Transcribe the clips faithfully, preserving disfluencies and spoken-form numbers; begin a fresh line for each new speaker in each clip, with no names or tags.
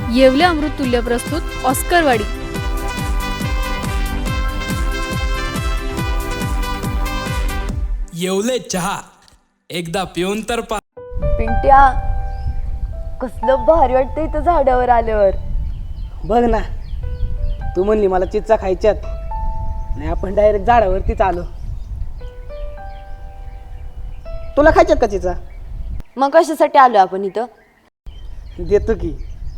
येवले अमृततुल्य प्रस्तुत ऑस्करवाडी.
येवले चहा एकदा पिऊन तर पा.
पिंट्या, कसलं भारी वाटतं इथं झाडावर आल्यावर.
बघ ना, तू म्हणली मला चिच्चा खायच्यात आणि आपण डायरेक्ट झाडावरतीच आलो. तुला खायच्यात का चिच्चा?
मग कशासाठी आलो आपण इथं?
देतो की.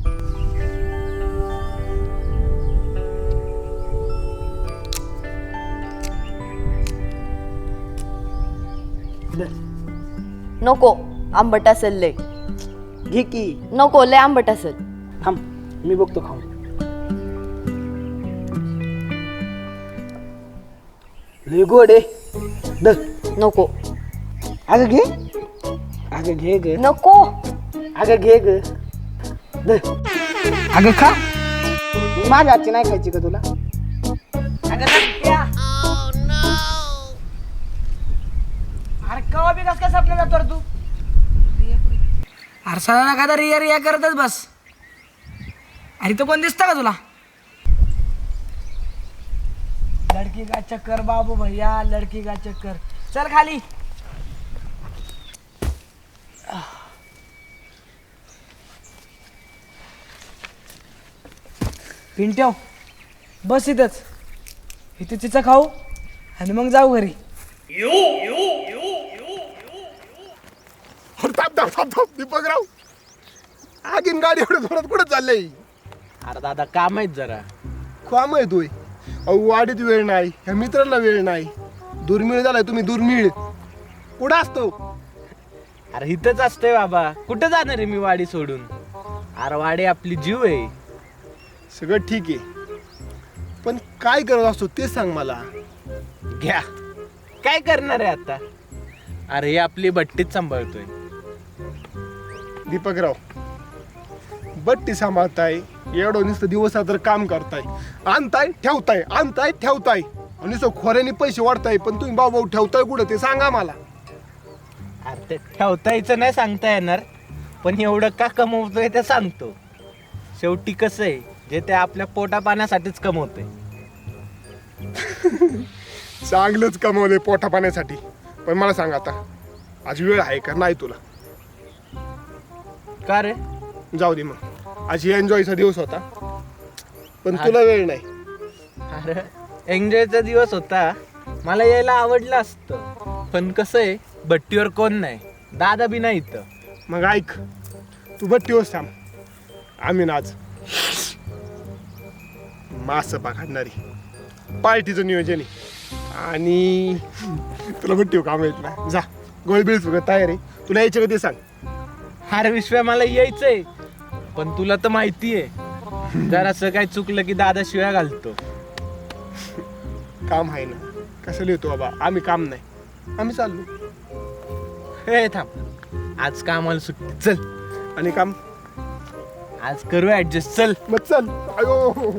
नको, आंबट असेल लय.
घे की.
नको, लय आंबट असेल.
थांब, मी बघतो खाऊन. लय गोड आहे. दर.
नको
अगं घे. अगं घे ग.
नको.
अगं घे ग. दर. अगं खा. माझ्या हातची नाही खायची का तुला? अगं नक्क्या. अरे कवा बी कस काय सपना जातो तू? अरे सदा नका रिया रिया करतच बस. अरे तो कोण दिसतं का तुला? लडकी का चक्कर बाबू भैया, लडकी का चक्कर. चल खाली. पिंट्याव बस इथंच. इथे तिचं खाऊ आणि मग जाऊ घरी.
थांब थांब थांब थांब दीपकराव, आगीन गाडी एवढं जोरात कुठं चाललंय?
अरे दादा काम आहेत जरा.
काम आहे तोय. अहो वाडीत वेळ नाही, ह्या मित्रांना वेळ नाही. दुर्मिळ झालाय तुम्ही, दुर्मिळ. कुठं असतो?
अरे इथंच असतोय बाबा. कुठं जाणार आहे मी वाडी सोडून? अरे वाडी आपली जीव आहे.
सगळं ठीक आहे, पण काय करत असतो ते सांग मला.
घ्या, काय करणार आहे आता? अरे ही आपली भट्टीच सांभाळतोय.
दीपकराव, बट्टी सांभाळताय, एवढं नुसतं दिवसात तर काम करताय, आणताय ठेवताय, आणताय ठेवताय, आणि सो खोऱ्याने पैसे वाढताय, पण तुम्ही भाऊ भाऊ ठेवताय कुठं ते सांगा मला.
अरे ते ठेवता यायचं नाही सांगता येणार, पण एवढं का कमवतोय ते सांगतो. शेवटी कसं आहे, जे ते आपल्या पोटा पाण्यासाठीच कमवतोय.
चांगलंच कमवलंय पोटा पाण्यासाठी. पण मला सांग आता, आज वेळ आहे का नाही तुला?
का रे?
जाऊ दे मग, आज एन्जॉयचा दिवस होता, पण तुला वेळ नाही.
अरे एन्जॉयचा दिवस होता, मला यायला आवडलं असतं, पण कसं आहे भट्टीवर कोण नाही, दादा बी नाही इथं.
मग ऐक, तू भट्टीवर थांब, आम्ही ना आज मास पकडणारी पार्टीचं नियोजन आहे. आणि तुला भट्टीवर काम येत नाही, जा गोळबिळ सगळं तयार आहे. तुला यायचं का ते सांग.
अरे विश्वा, मला यायचंय, पण तुला तर माहिती आहे जरासं काय चुकलं की दादा शिव्या घालतो.
काम आहे ना, कशाला येतो बाबा, आम्ही काम नाही, आम्ही चाललो.
हे थांब, आज कामाला सुट्टी. चल,
आणि काम
आज करू ऍडजस्ट. चल
मग चल. अयो,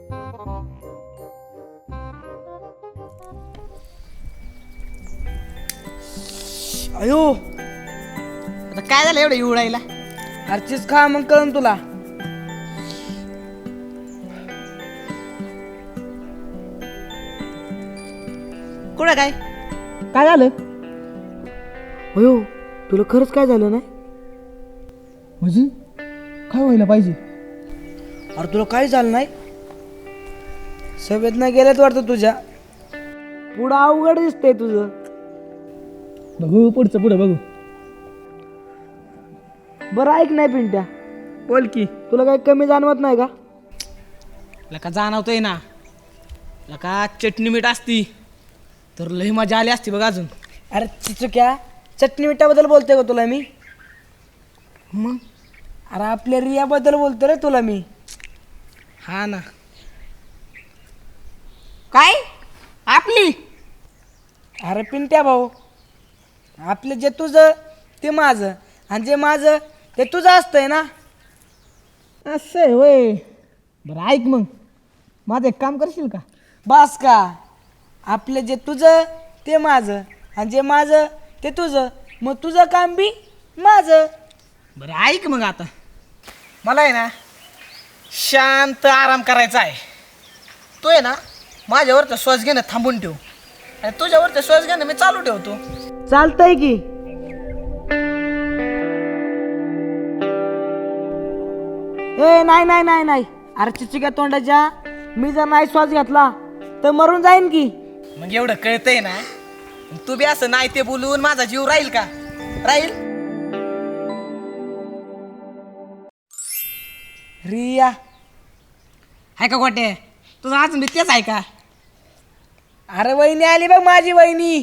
अयो, आता काय झालं एवढं उडायला? हरचीच खा, मग कळन तुला. कुठं काय काय झालं? अयो, तुला खरंच काय झालं नाही? म्हणजे काय व्हायला पाहिजे? अरे तुला काय झालं नाही? संवेदना गेल्यात वाटतं तुझ्या. पुढं अवघड दिसतंय तुझं. बघू पुढचं, पुढं बघू. बरं ऐक नाही पिंट्या, बोल की. तुला काही कमी जाणवत नाही का?
लका जाणवतोय ना. लका चटणी मीठ असती तर लई मजा आली असती बघ अजून.
अरे चिचुक्या, चटणी मिठाबद्दल बोलतोय का तुला मी? मग अरे आपल्या रियाबद्दल बोलतो रे तुला मी.
हा ना. काय आपली?
अरे पिंट्या भाऊ, आपलं जे तुझं ते माझं, आणि जे माझं ते तुझं असतंय ना.
असं आहे होय. बरं ऐक मग, माझं एक काम करशील का?
बस का, आपलं जे तुझं ते माझं, आणि जे माझं ते तुझं, मग तुझं काम बी माझं.
बरं ऐक मग, आता मला आहे ना शांत आराम करायचा आहे. तो आहे ना माझ्यावरचा श्वास घेणं थांबून ठेव आणि तुझ्यावरचा श्वास घेणं मी चालू ठेवतो.
चालतंय की. ए नाही नाही नाही नाही अरे चिचिका तोंडाच्या, मी जर नाही श्वास घेतला तर मरून जाईन की.
मग एवढं कळतंय ना, तू बी असं नाही ते बोलून माझा जीव राहील का? राहील. रिया आहे का गोटे? तुझं अजून बी तेच आहे का?
अरे वहिनी आली बघ माझी वहिनी.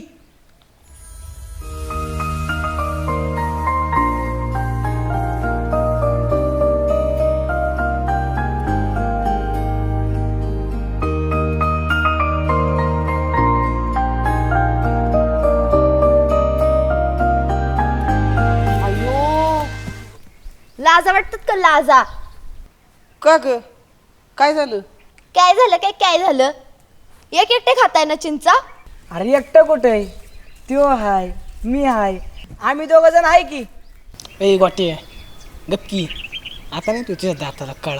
लाजा वाटतात का लाजा?
का ग काय झालं?
काय झालं काय काय झालं? एक एकटे खाताय ना चिंचा?
अरे एकटं कुठं आहे? त्यो हाय, मी हाय, आम्ही दोघ जण आहे की.
ए गोटे गप्की, आता नाही तुझ्या दाताला कळा.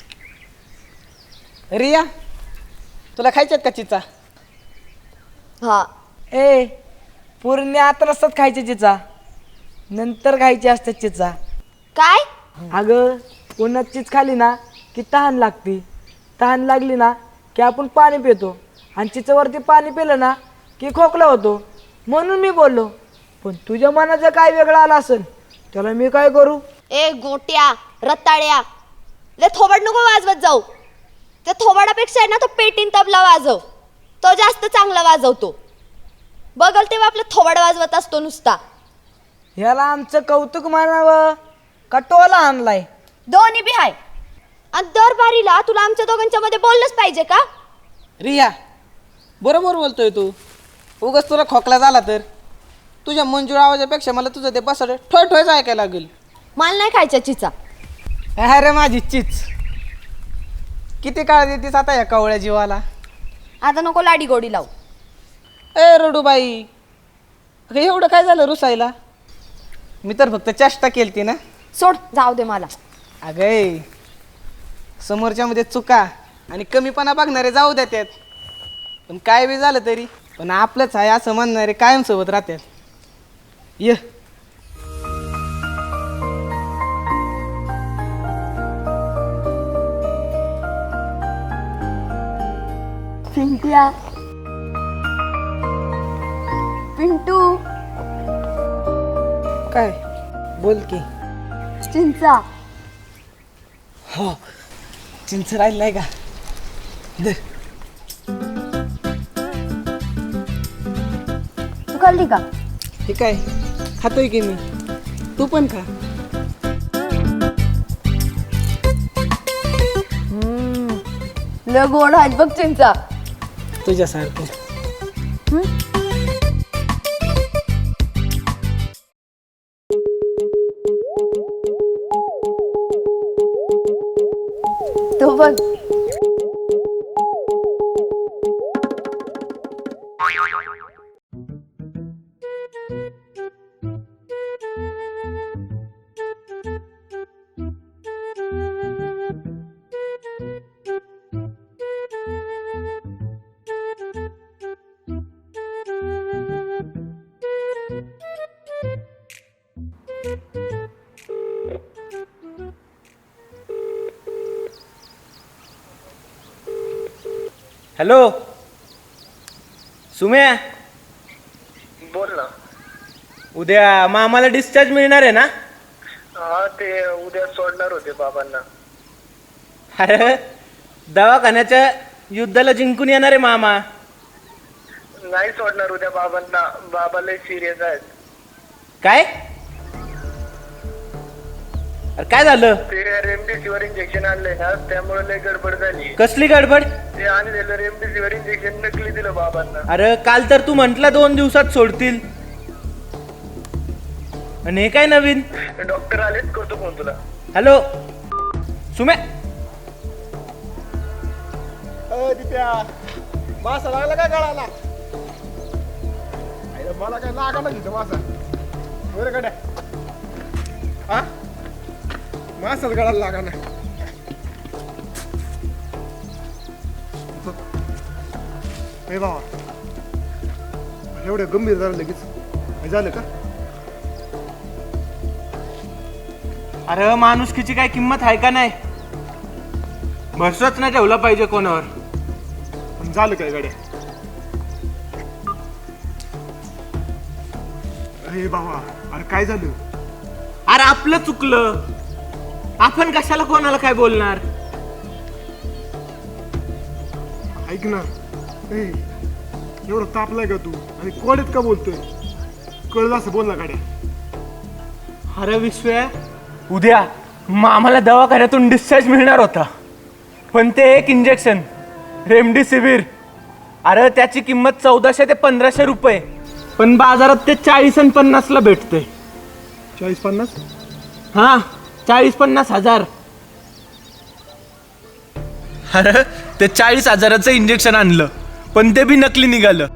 रिया तुला खायच्यात का चिचा?
हा.
ए पूर्ण आता नसतात खायचे चिचा, नंतर खायचे असतात चिचा.
काय?
अगं उन्हात चीज खाली ना की तहान लागते, तहान लागली ना की आपण पाणी पितो आणि चिचावरती पाणी पिलं ना की खोकला होतो. म्हणून मी बोललो, पण तुझ्या मनाचं काय वेगळं आलं असेल त्याला मी काय करू?
ए गोट्या रताळ्या, ले थोबाड नको वाजवत जाऊ. त्या थोबाडापेक्षा आहे ना तो पेटीन तबला वाजव, तो जास्त चांगला वाजवतो. बघल तेव्हा आपलं थोबाड वाजवत असतो नुसता.
ह्याला आमचं कौतुक मानावं का टोला आणलाय?
दोन्ही बी हाय. आणि दर बारीला तुला आमच्या दोघांच्या मध्ये बोललंच पाहिजे का?
रिया बरोबर बोलतोय तू. उगाच तुला खोकला झाला तर तुझ्या मंजूळ आवाजापेक्षा मला तुझं ते बसाड ठोय ठोयच ऐकायला लागेल.
मला नाही खायच्या चिचा.
अरे माझी चीच, किती काळ देतीस आता या कवळ्या जीवाला?
आता नको लाडी गोडी लावू.
ए रडूबाई, अगं एवढं काय झालं रुसायला? मी तर फक्त चेष्टा केलती ना.
सोड, जाऊ दे मला.
अगं समोरच्या मध्ये चुका आणि कमीपणा बघणारे जाऊ देतात, पण काय बी झालं तरी पण आपलंच आहे असं म्हणणारे कायम सोबत राहतात. ये
पिंट्या, पिंटू,
काय बोल की.
चिंचा.
हो चिंच राहिलाय का? दे.
तू खाल्ली का?
हे काय खातोय की मी, तू पण खा.
लय गोड आहेत बघ चिंचा.
तुझ्यासारखं.
तो बघ.
हॅलो सुम्या,
बोल ना.
उद्या मामाला डिस्चार्ज मिळणार आहे ना?
हा, ते उद्या सोडणार होते बाबांना.
अरे दवाखान्याच्या युद्धाला जिंकून येणार आहे मामा.
नाही सोडणार उद्या बाबांना, बाबा लय सिरियस आहेत.
काय? अरे काय झालं?
ते रेमडेसिवीर इंजेक्शन आणलंय ना, त्यामुळे लय गडबड झाली.
कसली गडबड?
ते आणलेलं रेमडेसिवीर इंजेक्शन नकली दिलं बाबांना.
अरे काल तर तू म्हंटला दोन दिवसात सोडतील, आणि हे काय नवीन?
डॉक्टर आलेच, करतो फोन तुला.
हॅलो सुम्या.
मासा लागला काय गळाला? मला काय लागला तिथं मासा. बरं गड्या, हा मासाच गळाला लागा ना. हे बाबा एवढं गंभीर झालं लगेच हे झालं का?
अरे माणुसकीची काय किंमत आहे का नाही? भरसाच नाही ठेवला पाहिजे कोणावर.
पण झालं काय गाड्या? अरे बाबा अरे काय झालं?
अरे आपलं चुकलं, आपण कशाला कोणाला काय बोलणार.
ऐक ना ए एवढं तापलाय का तू आणि कोड्यात का बोलतोय? कळलं असं बोल ना गाड्या.
अरे विश्व्या, उद्या मामाला दवाखान्यातून डिस्चार्ज मिळणार होता, पण ते एक इंजेक्शन रेमडेसिवीर, अरे त्याची किंमत चौदाशे ते पंधराशे रुपये, पण बाजारात ते चाळीस आणि पन्नासला भेटते.
चाळीस पन्नास?
हा, चाळीस पन्नास हजार. अरे ते चाळीस हजाराचं इंजेक्शन आणलं, पण ते बी नकली निघालं,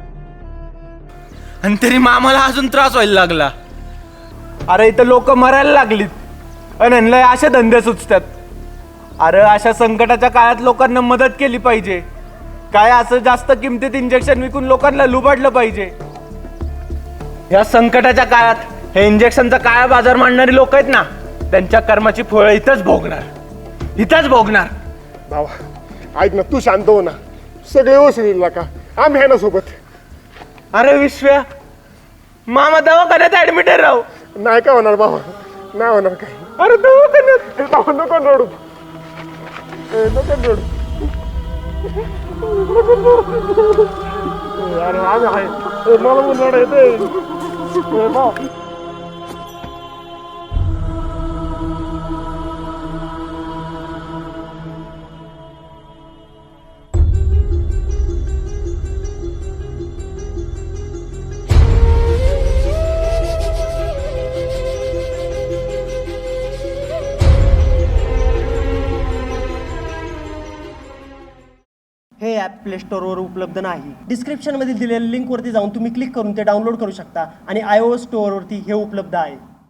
आणि तरी मामाला अजून त्रास व्हायला लागला. अरे इथं लोक मरायला लागलीत आणि ह्यांना अशा धंदे सुचतात. अरे अशा संकटाच्या काळात लोकांना मदत केली पाहिजे, काय असं जास्त किमतीत इंजेक्शन विकून लोकांना लुबाडलं पाहिजे. या संकटाच्या काळात हे इंजेक्शनचा काळा बाजार मांडणारी लोक आहेत ना, त्यांच्या कर्माची फळं इथंच भोगणार, इथंच भोगणार.
बाबा ऐक ना, तू शांत हो ना, सगळे वसूल का आम्ही आहे ना सोबत.
अरे विश्व्या, मामा दवाखान्यात ऍडमिट आहे राव.
नाही काय होणार बाबा, नाही होणार काय. अरे दवाखान्यात बाबा नको रडू, ए, नको रडू. ए, अरे आम्ही आहे, ए, मला पण रडा येते. ए, बाबा
हे ॲप प्ले स्टोअरवर उपलब्ध नाही. डिस्क्रिप्शनमध्ये दिलेल्या लिंकवरती जाऊन तुम्ही क्लिक करून ते डाउनलोड करू शकता आणि आय ओ एस स्टोअरवरती हे उपलब्ध आहे.